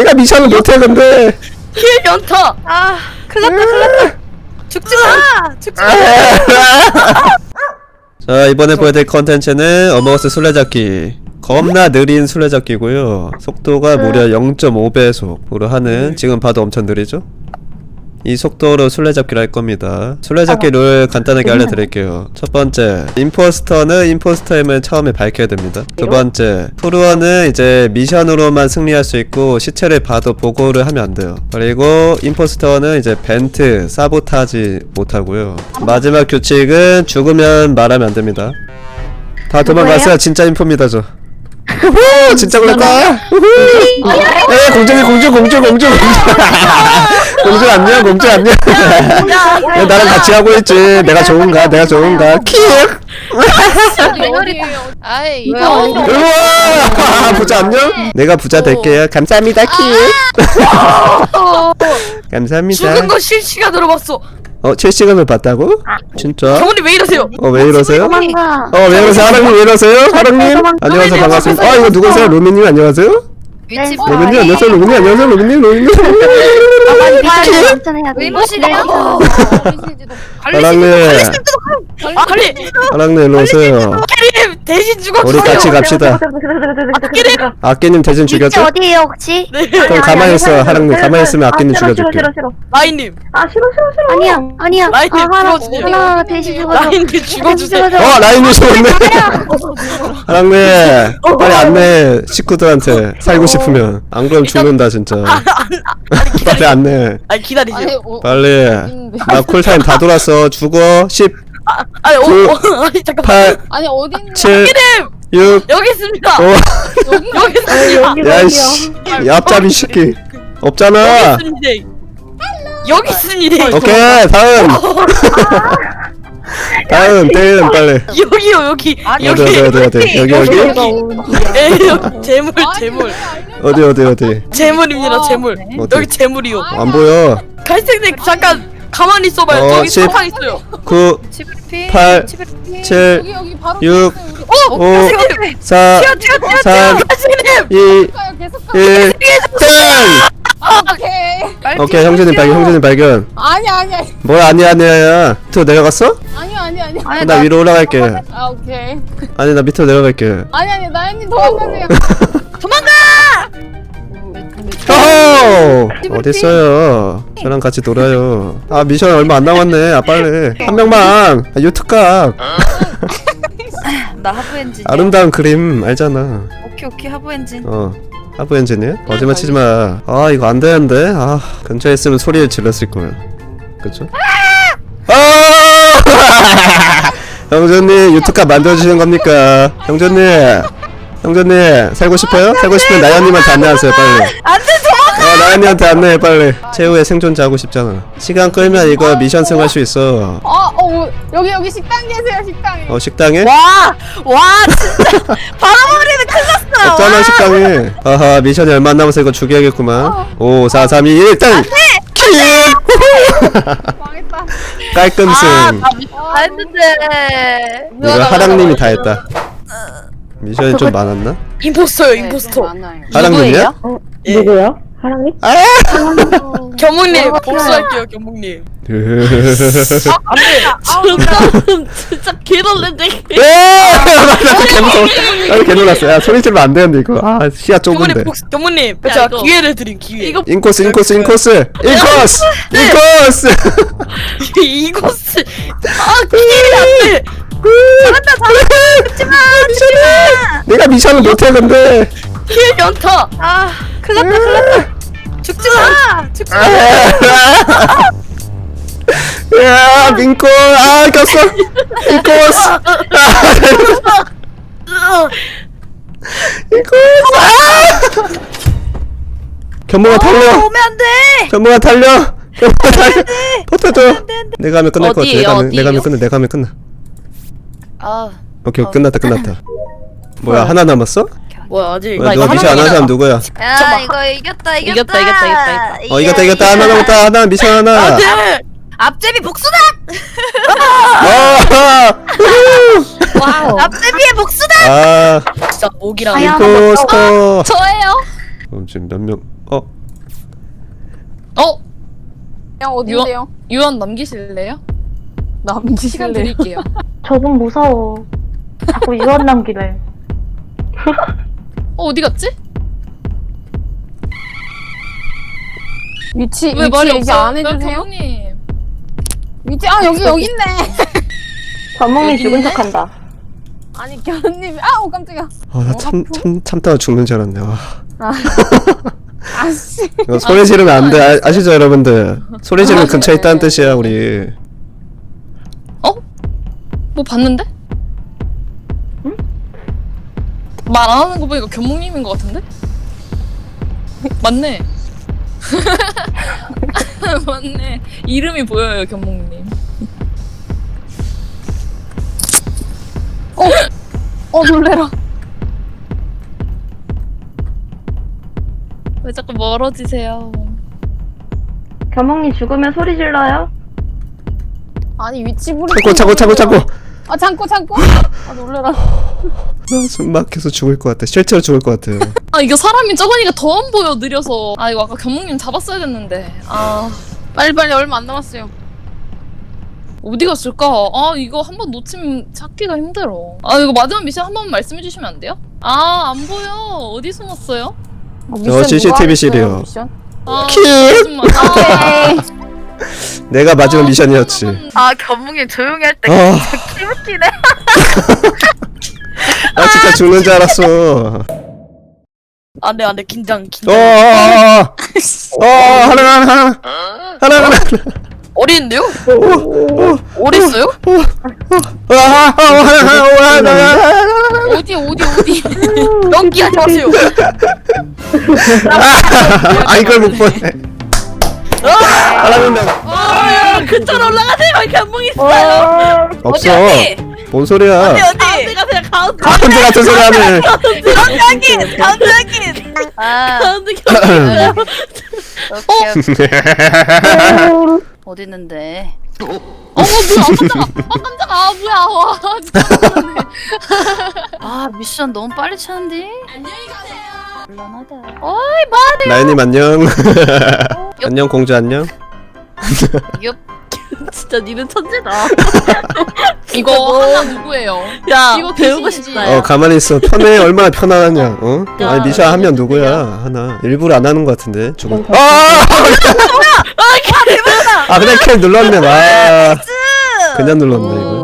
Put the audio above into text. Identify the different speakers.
Speaker 1: 내가 미션을 못해 근데.
Speaker 2: 킬 연타.
Speaker 3: 아, 큰일났다.
Speaker 2: 죽지 마. 죽지 마.
Speaker 1: 자, 이번에 보여드릴 컨텐츠는 어머거스 술래잡기. 겁나 느린 술래잡기고요. 속도가 무려 0.5배속으로 하는, 지금 봐도 엄청 느리죠? 이 속도로 술래잡기를 할 겁니다. 술래잡기 룰 간단하게 알려드릴게요. 첫 번째, 임포스터는 임포스터임을 처음에 밝혀야 됩니다. 두 번째, 프루어는 이제 미션으로만 승리할 수 있고 시체를 봐도 보고를 하면 안 돼요. 그리고 임포스터는 이제 벤트, 사보타지 못하고요. 마지막 규칙은 죽으면 말하면 안 됩니다. 다 도망갔어요. 진짜 인포입니다 저. 우후, 진짜 그럴까? 우후. 에, 공주 공주 안녕, 공주 안녕. 야, 나랑 같이 하고 있지. 내가 좋은가? 킥.
Speaker 3: 어디? 아이,
Speaker 1: 우와, 부자 안녕. 내가 부자 될게요. 감사합니다, 킥. 감사합니다.
Speaker 2: 죽은 거 실시간으로 봤어.
Speaker 1: 실시간을 봤다고? 진짜?
Speaker 2: 경훈이 왜 이러세요?
Speaker 1: 왜 이러세요?
Speaker 3: 도망가.
Speaker 1: 왜 이러세요? 하랑님 왜 이러세요? 하랑님? 안녕하세요, 반갑습니다. 이거 누구세요? 루미님 안녕하세요?
Speaker 3: 위치
Speaker 1: 로빈님 안녕하세요. 로빈님 안녕하세요. 로빈님. 하랑님. 하랑님 일로 오세요.
Speaker 2: 아끼님 대신 죽었어요.
Speaker 1: 우리 같이 갑시다. 아끼님 대신
Speaker 3: 위치
Speaker 1: 죽였죠?
Speaker 3: 어디에요 혹시?
Speaker 1: 그럼 가만히 있어. 하랑님 가만히 있으면 아끼님 죽여줄게.
Speaker 2: 라인님.
Speaker 3: 아니야.
Speaker 2: 라인님 죽어주세요.
Speaker 3: 하나 대신 죽어줘.
Speaker 2: 라인님 죽어주세요.
Speaker 1: 라인님 죽었네. 하랑님 빨리 안내 식구들한테 살고 싶으면. 안 그러면 죽는다 진짜. 빨리 안내.
Speaker 2: 아니 기다리세요.
Speaker 1: 빨리. 나 쿨타임 다 돌았어. 죽어. 10
Speaker 2: 아니 아니 잠깐만.
Speaker 1: 8
Speaker 4: 아니 어딘데?
Speaker 1: 7
Speaker 2: 아끼님
Speaker 1: 6
Speaker 2: 여기 있습니다.
Speaker 1: 5
Speaker 2: 여기 있습니다.
Speaker 1: 야이씨 얍잡이 새끼 없잖아.
Speaker 2: 여기 있습니다.
Speaker 1: 오케이 다음. 다음 빨리.
Speaker 2: 여기요 여기.
Speaker 1: 어디 여기
Speaker 2: 에 여기 재물.
Speaker 1: 어디
Speaker 2: 재물입니다 재물.
Speaker 1: 어디?
Speaker 2: 여기 재물이요.
Speaker 1: 안 보여.
Speaker 2: 갈색색 잠깐 가만히 있어봐요. 저기
Speaker 1: 10.
Speaker 2: 사탕 있어요.
Speaker 1: 9 8 7
Speaker 4: 여기 바로
Speaker 1: 6
Speaker 4: 우리
Speaker 1: 5 4 3
Speaker 2: 갈색님.
Speaker 1: 2
Speaker 4: 가요 계속 가.
Speaker 1: 1 땡!
Speaker 4: 오케이.
Speaker 1: 오케이 형제님 발견.
Speaker 4: 아니야.
Speaker 1: 뭐야 아니야. 밑으로 내려갔어?
Speaker 4: 아니야.
Speaker 1: 나 위로 올라갈게.
Speaker 4: 아 오케이.
Speaker 1: 아니 나 밑으로 내려갈게.
Speaker 4: 아니 나연님 도망가세요.
Speaker 1: 호호! 어딨어요? 저랑 같이 놀아요. 미션 얼마 안 남았네. 빨리 한 명만. 유튜각.
Speaker 3: 나 하부 엔진.
Speaker 1: 아름다운 그림 알잖아.
Speaker 3: 오케이 하부 엔진.
Speaker 1: 하부 엔지니어? 거짓말 치지마. 이거 안 되는데. 근처에 있으면 소리를 질렀을 거야. 그쵸? 형제님 유튜브 만들어주시는 겁니까? 형제님 살고 싶어요? 살고 싶으면 나연님한테 안내하세요 빨리.
Speaker 3: 안돼 도망가.
Speaker 1: 나연이한테 안내해 빨리. 최후의 생존자 하고 싶잖아. 시간 끌면 이거 미션 승할 수 있어.
Speaker 4: 여기 식당 계세요 식당에.
Speaker 1: 식당에?
Speaker 3: 와 진짜 바람머리는 큰일 났어.
Speaker 1: 없잖아 식당에. 미션이 얼마 안 남아서 이거 죽여야겠구만. 5 4 3 2 1 땡! 킥!
Speaker 4: 망했다.
Speaker 1: 깔끔승.
Speaker 3: 다 했는데.
Speaker 1: 이거 하랑님이 다 했다. 미션이 좀 많았나?
Speaker 2: 임포스터요 임포스터.
Speaker 1: 하랑님이야?
Speaker 5: 누구요? 하랑님?
Speaker 2: 겸묵님 복수할게요 겸묵님. 진짜 개놀랬네.
Speaker 1: 개 놀랐어. 야 소리 지르면 안 되는데 이거. 시야 좁은데.
Speaker 2: 겸묵님
Speaker 3: 야,
Speaker 2: 제가
Speaker 3: 이거.
Speaker 2: 기회를 드린 기회. 이거
Speaker 1: 인코스.
Speaker 2: 이코스. 기회가 안 돼.
Speaker 3: 잘한다.
Speaker 1: 내가 미션을 못해 근데.
Speaker 2: 킬 연타.
Speaker 3: 큰일났다. 죽지 마.
Speaker 1: 야 민코 꼈어. 인코스. 견모가 달려.
Speaker 3: 오면 안 돼.
Speaker 1: 견모가 달려. 버텨줘. 내가 하면 끝날 것 같아.
Speaker 3: 어디예요?
Speaker 1: 내가 하면 끝나. 오케이 끝났다. 뭐야 하나 남았어?
Speaker 2: 뭐야 아직.
Speaker 1: 뭐야, 누가 미션 안 하는 사람 누구야?
Speaker 3: 야 이거 이겼다.
Speaker 2: 이겼다.
Speaker 1: 이겼다 하나 남았다. 하나 미션 하나.
Speaker 2: 안돼.
Speaker 3: 앞제비 복수다. 와우. 앞제비의 복수다.
Speaker 2: 진짜 목이랑
Speaker 1: 임포스터.
Speaker 3: 저예요.
Speaker 1: 그럼 지금 몇 명?
Speaker 4: 그냥 어디인데요?
Speaker 6: 유언 남기실래요? 시간
Speaker 4: 남기실래요?
Speaker 6: 드릴게요.
Speaker 5: 저분 무서워. 자꾸 유언 남기래.
Speaker 6: 어디 갔지?
Speaker 4: 위치
Speaker 6: 왜 말이
Speaker 4: 얘기
Speaker 6: 없어요?
Speaker 4: 안 해주세요?
Speaker 6: 경님.
Speaker 4: 위치 여기 있네.
Speaker 5: 전몽이
Speaker 6: 여기
Speaker 5: 죽은
Speaker 6: 있네?
Speaker 5: 척한다.
Speaker 4: 아니 견우님이 오 깜짝이야.
Speaker 1: 나 참다가 죽는 줄 알았네.
Speaker 4: 아씨.
Speaker 1: 이거 소리 지르면 안 돼. 아시죠 여러분들? 소리 지르면 근처에 있다는 뜻이야 우리.
Speaker 6: 뭐 봤는데? 응? 말 안 하는 거 보니까 견목님인 것 같은데? 맞네. 맞네. 이름이 보여요, 견목님.
Speaker 4: 놀래라.
Speaker 6: 왜 자꾸 멀어지세요?
Speaker 5: 겸홍이 죽으면 소리 질러요?
Speaker 4: 아니 위치 부르.
Speaker 1: 참고.
Speaker 4: 참고. 놀래라.
Speaker 1: 숨 막혀서 죽을 것 같아. 실제로 죽을 것 같아.
Speaker 6: 아, 이거 사람이 적으니까 더 안 보여, 느려서. 아, 이거 아까 견목님 잡았어야 됐는데.
Speaker 4: 빨리 얼마 안 남았어요.
Speaker 6: 어디 갔을까? 아, 이거 한 번 놓치면 찾기가 힘들어. 아, 이거 마지막 미션 한 번만 말씀해 주시면 안 돼요? 아, 안 보여. 어디 숨었어요?
Speaker 4: 미션
Speaker 1: CCTV
Speaker 4: 누가 했어요,
Speaker 1: 실이요.
Speaker 4: 미션?
Speaker 6: 아,
Speaker 1: 킬!
Speaker 6: 거짓말.
Speaker 1: 내가 마지막 미션이었지.
Speaker 3: 아 견묵이 조용히 할 때 기웃기네.
Speaker 1: 나 진짜 죽는 줄 알았어.
Speaker 2: 안돼 긴장.
Speaker 1: 하나.
Speaker 2: 어린데요? 어딨어요?
Speaker 6: 어디?
Speaker 2: 연기 하지 마세요.
Speaker 1: 이걸 못 보네. 하나는
Speaker 2: 근처로 올라가세요. 견봉 있어요.
Speaker 1: 없어. 뭔 소리야?
Speaker 2: 어디? 가세요. 가운데.
Speaker 1: 가운데 같은 소리 하네.
Speaker 2: 가운데 견봉.
Speaker 3: 어디 있는데?
Speaker 6: 뭐야, 깜짝아. 뭐야. 와, 진짜.
Speaker 3: 아 미션 너무 빨리 차는데?
Speaker 6: 안녕히 가세요.
Speaker 3: 곤란하다.
Speaker 1: 나연님 안녕. 안녕 공주 안녕.
Speaker 2: 진짜 니는 천재다.
Speaker 6: 이거 하나 누구예요?
Speaker 2: 야
Speaker 6: 이거
Speaker 2: 배우고
Speaker 6: 귀신이지.
Speaker 2: 싶다.
Speaker 1: 가만히 있어. 편해 얼마나 편안하냐.
Speaker 2: 야,
Speaker 1: 아니 미샤 하면
Speaker 2: 어디
Speaker 1: 누구야? 하나 일부러 안 하는 것 같은데 죽은. 그냥 캡 눌렀네. 그냥 눌렀네 이거.